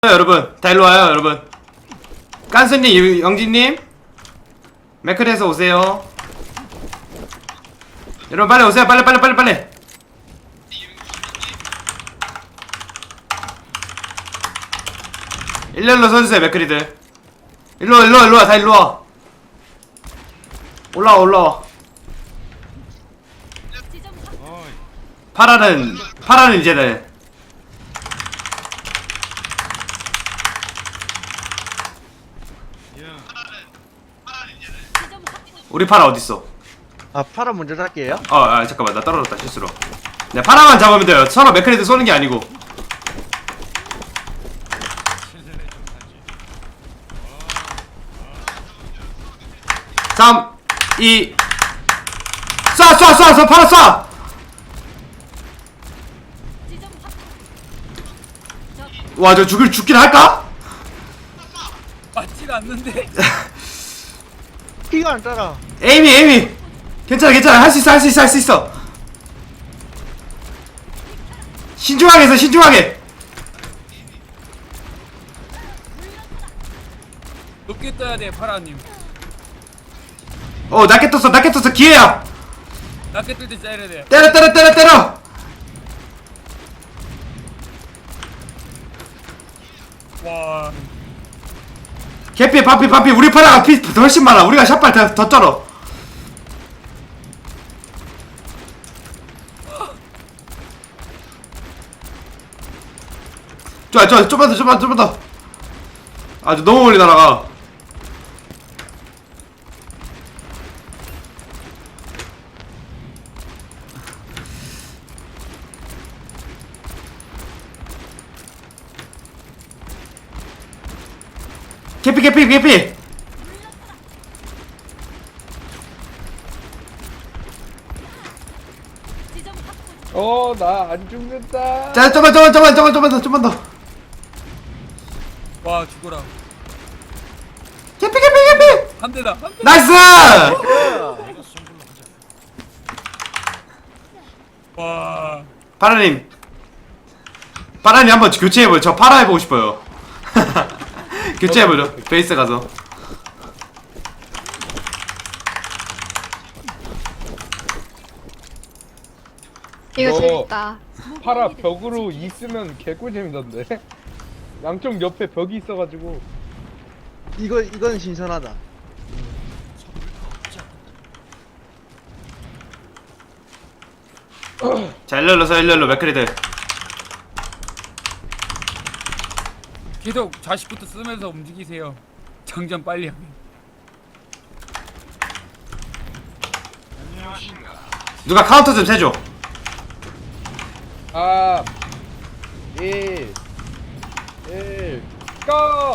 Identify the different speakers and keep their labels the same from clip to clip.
Speaker 1: 여러분 다 일로와요 여러분. 깐스님, 영진님 맥클에서 오세요. 여러분 빨리 오세요. 빨리. 일렬로 서주세요. 맥클이들 일로와 다 일로와. 올라와. 파라는 이제는 우리 파라 어딨어?
Speaker 2: 아 파라 먼저 할게요.
Speaker 1: 잠깐만 나 떨어졌다 실수로. 네, 파라만 잡으면 돼요. 서로 맥크리드 쏘는 게 아니고. 삼, 이, 쏴! 파라 쏴! 와, 저 죽긴 할까?
Speaker 3: 맞지가 않는데.
Speaker 2: 피가 안 따라.
Speaker 1: 에이미 괜찮아 할 수 있어. 신중하게
Speaker 3: 높게 떠야 돼 파라님.
Speaker 1: 낮게 떴어 기회야.
Speaker 3: 낮게 뜰 때 쏴야 돼.
Speaker 1: 때려.
Speaker 3: 와.
Speaker 1: 개피 반피 우리 파라가 피 훨씬 많아. 우리가 샷발 더 쩔어. 좋아 좀만 더. 아주 너무 멀리 날아가. 개피.
Speaker 4: 나 안 죽는다.
Speaker 1: 자, 좀만 더.
Speaker 3: 와 죽어라.
Speaker 1: 개피.
Speaker 3: 한 대다.
Speaker 1: 나이스!
Speaker 3: 와.
Speaker 1: 파라님 한번 교체해보죠. 저 파라 해보고 싶어요. 교체해보죠. 베이스 가서.
Speaker 5: 이거 재밌다.
Speaker 4: 파라 벽으로 있으면 개꿀잼이던데. 양쪽 옆에 벽이 있어가지고.
Speaker 2: 이건 신선하다.
Speaker 1: 자, 일렬로 맥크리들.
Speaker 3: 계속 좌식부터 쓰면서 움직이세요. 장전 빨리 하게.
Speaker 1: 누가 카운터 좀 세줘.
Speaker 4: 3, 2, 1, 고!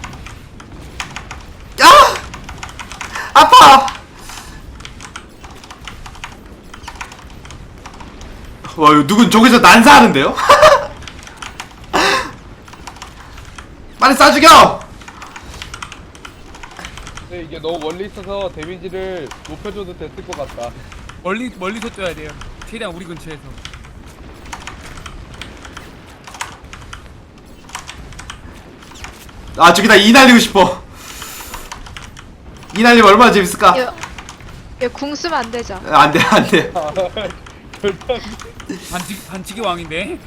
Speaker 1: 야! 아파! 와, 이거 누군 저기서 난사하는데요? 빨리 쏴 죽여!
Speaker 4: 근데 이게 너무 멀리 있어서 데미지를 높여줘도 됐을 것 같다.
Speaker 3: 멀리서 떠야 돼요. 최대한 우리 근처에서.
Speaker 1: 저기다 이 날리고 싶어. 이 날리면 얼마나 재밌을까?
Speaker 5: 이거 궁 쓰면 안 되죠?
Speaker 1: 안 돼.
Speaker 4: 절대
Speaker 3: 반칙의 왕인데.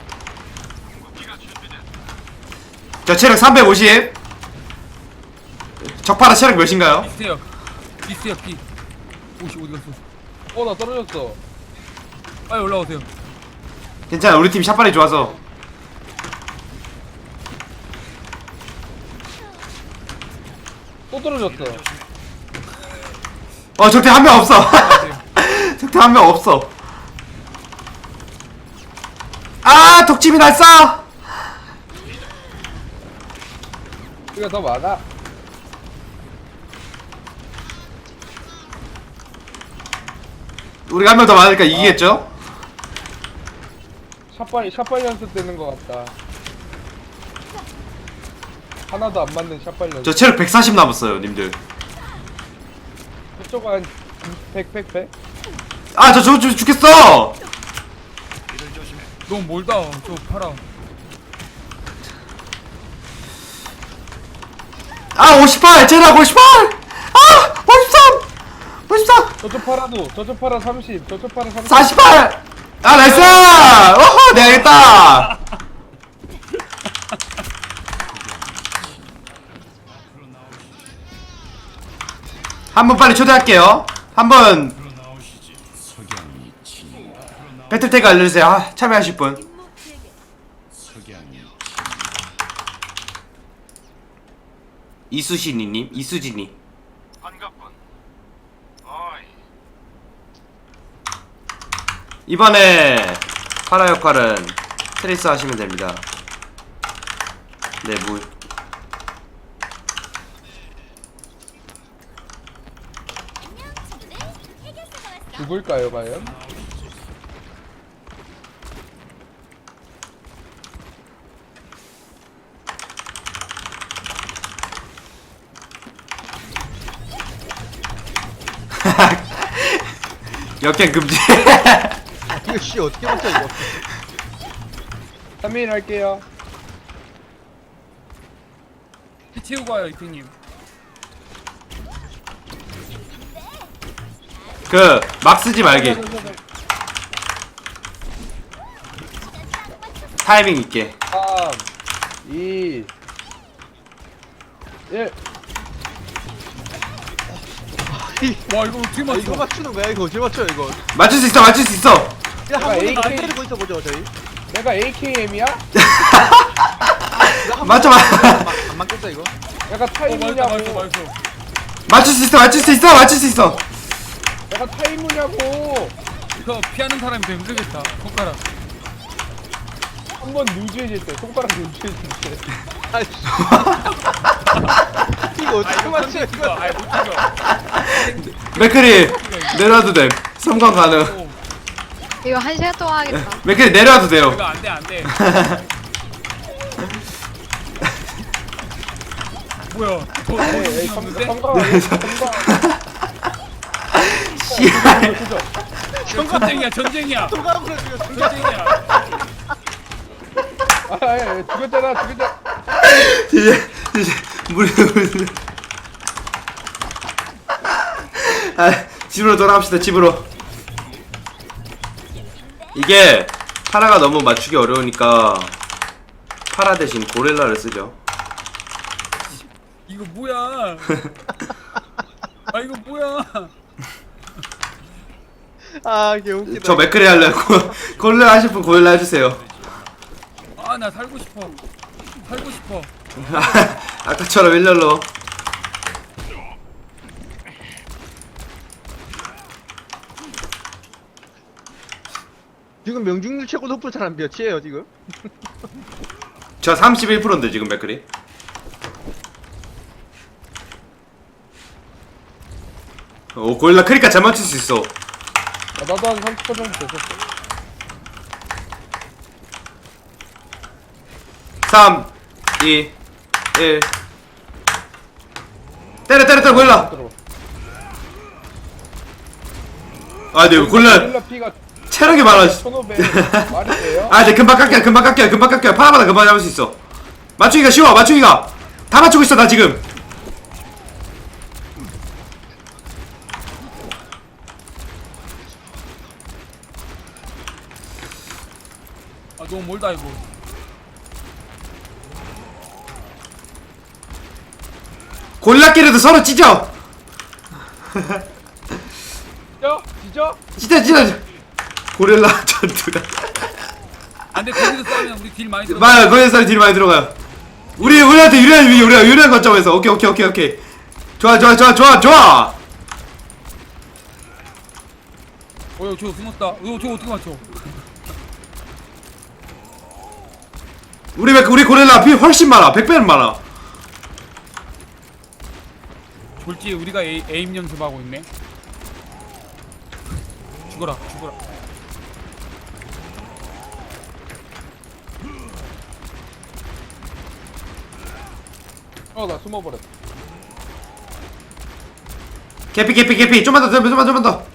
Speaker 1: 저 체력 350. 적파라 체력 몇인가요?
Speaker 3: 비슷해요 피. 오씨 어디 갔어?
Speaker 4: 나 떨어졌어.
Speaker 3: 빨리 올라오세요.
Speaker 1: 괜찮아, 우리 팀 샷발이 좋아서.
Speaker 4: 또 떨어졌어.
Speaker 1: 적대 한 명 없어. 적대 한 명 없어. 독침이 날 쏴!
Speaker 4: 우리가 더 많아.
Speaker 1: 우리가 한 명 더 많으니까 이기겠죠?
Speaker 4: 샷발 연습되는 것 같다. 하나도 안 맞는 샷발 연습.
Speaker 1: 저 체력 140 남았어요, 님들.
Speaker 4: 그쪽 한 100.
Speaker 1: 저 죽겠어!
Speaker 3: 너무 멀다. 저 파라.
Speaker 1: 아 58 제락 58 아 53 54
Speaker 4: 저쪽 팔아도 저쪽 팔아 30 저쪽 팔아 30
Speaker 1: 48 아 나이스 오호 내가 이겼다 한번 빨리 초대할게요 한번 배틀태그 알려주세요 아, 참여하실 분 이수신이님 이수진이 이번에 파라 역할은 트레이스 하시면 됩니다. 네, 뭐
Speaker 4: 누굴까요 과연?
Speaker 1: 역행 금지.
Speaker 2: 이거 씨 어떻게 맞춰 이거?
Speaker 4: 3인 할게요.
Speaker 3: 피 채우고 와요 이표님.
Speaker 1: 그 막 쓰지 말기. 타이밍 있게.
Speaker 4: 3 2 1
Speaker 3: 와 이거 어떻게
Speaker 2: 아,
Speaker 3: 맞춰?
Speaker 2: 이거 맞추는 거야 이거 어떻게 맞춰 이거?
Speaker 1: 맞출 수 있어, 맞출 수 있어.
Speaker 2: 야, 한 번에
Speaker 4: AK.
Speaker 2: 안 때리고 있어 보죠 저희.
Speaker 4: 내가 AKM이야?
Speaker 1: 맞춰, 맞.
Speaker 2: 안 맞겠어 이거?
Speaker 4: 내가
Speaker 3: 맞았어
Speaker 4: 타이무냐고
Speaker 3: 맞았어.
Speaker 1: 맞출 수 있어, 맞출 수 있어, 맞출 수 있어.
Speaker 4: 내가 타이무냐고
Speaker 3: 이거 피하는 사람이 더 힘들겠다. 손가락.
Speaker 4: 한 번 누즈해질 때 손가락 누즈해질 때
Speaker 2: 아이씨. 이거 어떻게 맞춰 이거?
Speaker 3: 아이 못 죽여.
Speaker 1: 맥크리 내려와도 돼. 섬광 가능.
Speaker 3: 오,
Speaker 5: 이거 1시간 동안 하겠다.
Speaker 1: 맥크리 내려와도 돼요.
Speaker 3: 이거 안돼 안돼. 뭐야? 더
Speaker 4: 에이
Speaker 3: 없는데?
Speaker 4: 성광
Speaker 1: 씨발.
Speaker 3: 전쟁이야 전쟁이야
Speaker 2: 통과하고 지금
Speaker 3: 전쟁이야.
Speaker 4: 아 죽였잖아
Speaker 1: 이제 물. 아, 집으로 돌아갑시다. 집으로. 이게 파라가 너무 맞추기 어려우니까 파라 대신 고릴라를 쓰죠.
Speaker 3: 이거 뭐야? 아 이거 뭐야?
Speaker 2: 아 개웃기다.
Speaker 1: 저 맥크리 하려고 고릴라 하실 분 고릴라 해주세요.
Speaker 3: 아 나 살고 싶어. 살고 싶어.
Speaker 1: 아까처럼 일렬로.
Speaker 2: 지금 명중률 최고 높은 사람 몇이에요 지금?
Speaker 1: 저 31%인데 지금 맥크리. 오 고릴라 크니까 잘 맞출 수 있어.
Speaker 4: 나도 한 30% 정도 됐었어
Speaker 1: 3 2 1 때려 고릴라.
Speaker 4: 들어
Speaker 1: 아 네 고릴라
Speaker 4: 고릴라 피가
Speaker 1: 체력이 많아.
Speaker 4: 1500 말이 돼요?
Speaker 1: 아, 네, 금방 깎여요. 파라마다 금방 잡을 수 있어. 맞추기가 쉬워, 맞추기가. 다 맞추고 있어, 나 지금.
Speaker 3: 아 너무 멀다 이거.
Speaker 1: 고릴라끼리도 서로 찢어.
Speaker 4: 찢어?
Speaker 1: 고릴라 전투가.
Speaker 3: 안돼 거기서 싸우면 우리 딜 많이 들어.
Speaker 1: 맞아, 거기서 딜 많이 들어가요. 우리한테 우리가 유리한 거점에서. 오케이. 좋아.
Speaker 3: 저 숨었다. 저 어떻게 맞춰?
Speaker 1: 우리 고릴라 피 훨씬 많아. 100배는 많아.
Speaker 3: 졸지 우리가 에임 연습하고 있네. 죽어라.
Speaker 4: 나 숨어버렸어
Speaker 1: 개피. 좀만 더.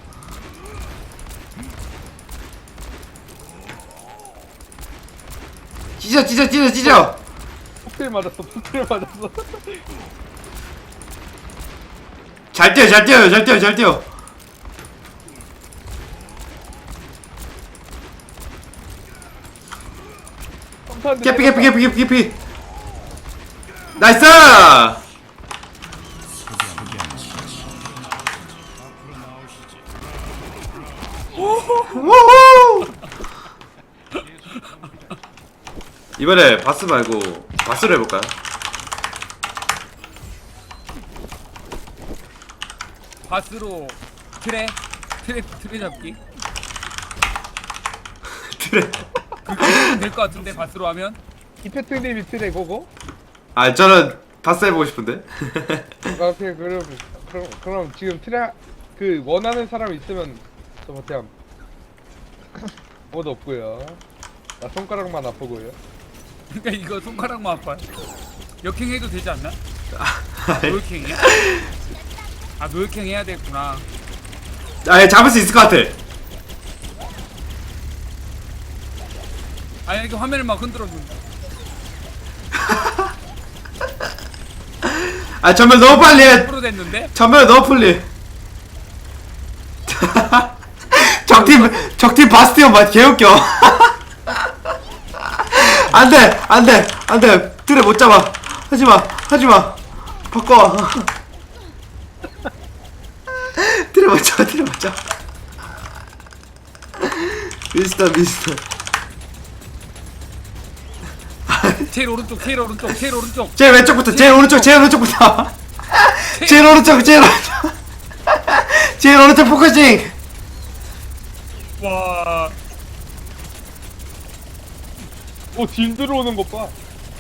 Speaker 1: 찢어.
Speaker 4: 폭딜 맞았어
Speaker 1: 잘 뛰어 잘 뛰어요 잘 뛰어 잘 뛰어.
Speaker 4: 점프하는데
Speaker 1: 개피 개피 개피 개피 개피. 나이스. 우후. 이번에 바스 말고 바스로 해볼까요?
Speaker 3: 바스로 트레 잡기.
Speaker 1: 그래.
Speaker 3: 될 것 같은데 바스로 하면.
Speaker 4: 이페트님이 트레 고고?
Speaker 1: 아 저는 바스 해보고 싶은데.
Speaker 4: 아, 오케이 그럼 지금 트레 그 원하는 사람 있으면 저 버텨. 아무도 없고요. 나 손가락만 아프고요.
Speaker 3: 그러니까 이거 손가락만 아파요. 역행해도 되지 않나? 노역행이야? 아 노역행 해야 되겠구나.
Speaker 1: 아 잡을 수 있을 것 같아.
Speaker 3: 아니 이렇게 화면을 막 흔들어준다.
Speaker 1: 아 전멸 너무 빨리 해.
Speaker 3: 프로 됐는데?
Speaker 1: 전멸 너무 빨리. 적팀 바스티온 맞 개웃겨. 안돼 틀에 못 잡아. 하지마 바꿔. 틀에 못 잡아 미스터
Speaker 3: 제일 오른쪽 제일 오른쪽
Speaker 1: 제일 왼쪽부터 제일 오른쪽 제일 오른쪽 포커싱.
Speaker 3: 와
Speaker 4: 딜 들어오는 것 봐.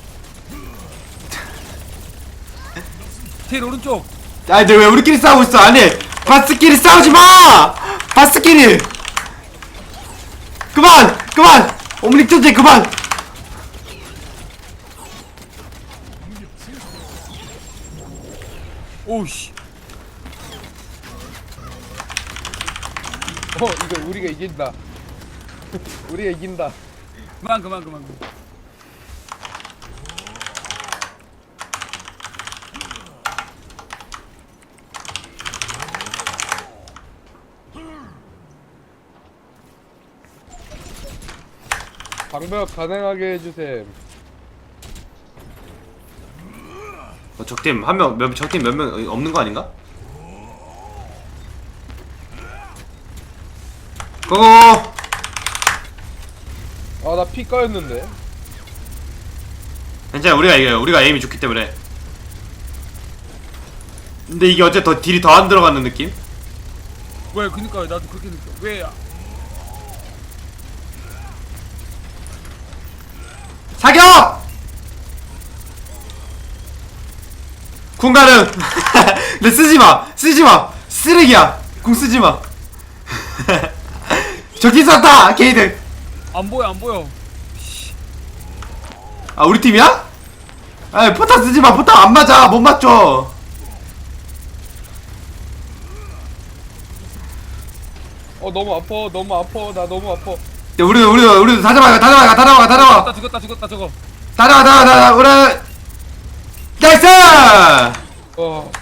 Speaker 3: 제일 오른쪽.
Speaker 1: 아니 근데 왜 우리끼리 싸우고 있어? 아니 바스끼리 싸우지 마. 바스끼리 그만 오므릭전쟁 그만.
Speaker 3: 오우씨.
Speaker 4: 이거 우리가 이긴다. 우리가 이긴다.
Speaker 3: 그만.
Speaker 4: 방벽 가능하게 해주셈.
Speaker 1: 적팀 적팀 몇 명 없는 거 아닌가? 고고.
Speaker 4: 나 피 까였는데.
Speaker 1: 괜찮아 우리가 이겨요. 우리가 에임이 좋기 때문에. 근데 이게 어째 더 딜이 더 안 들어가는 느낌?
Speaker 3: 왜 그니까 나도 그렇게 느껴. 왜
Speaker 1: 사격! 궁 가능. 근데 쓰지마 쓰레기야. 궁 쓰지마. 저기 쐈다 게이드.
Speaker 3: 안 보여.
Speaker 1: 아 우리 팀이야? 아 포탑 쓰지마. 포탑 안 맞아. 못 맞죠.
Speaker 4: 너무 아파. 나 너무 아파.
Speaker 1: 야, 우리도 다 잡아.
Speaker 3: 죽었다 저거.
Speaker 1: 우리 나이스.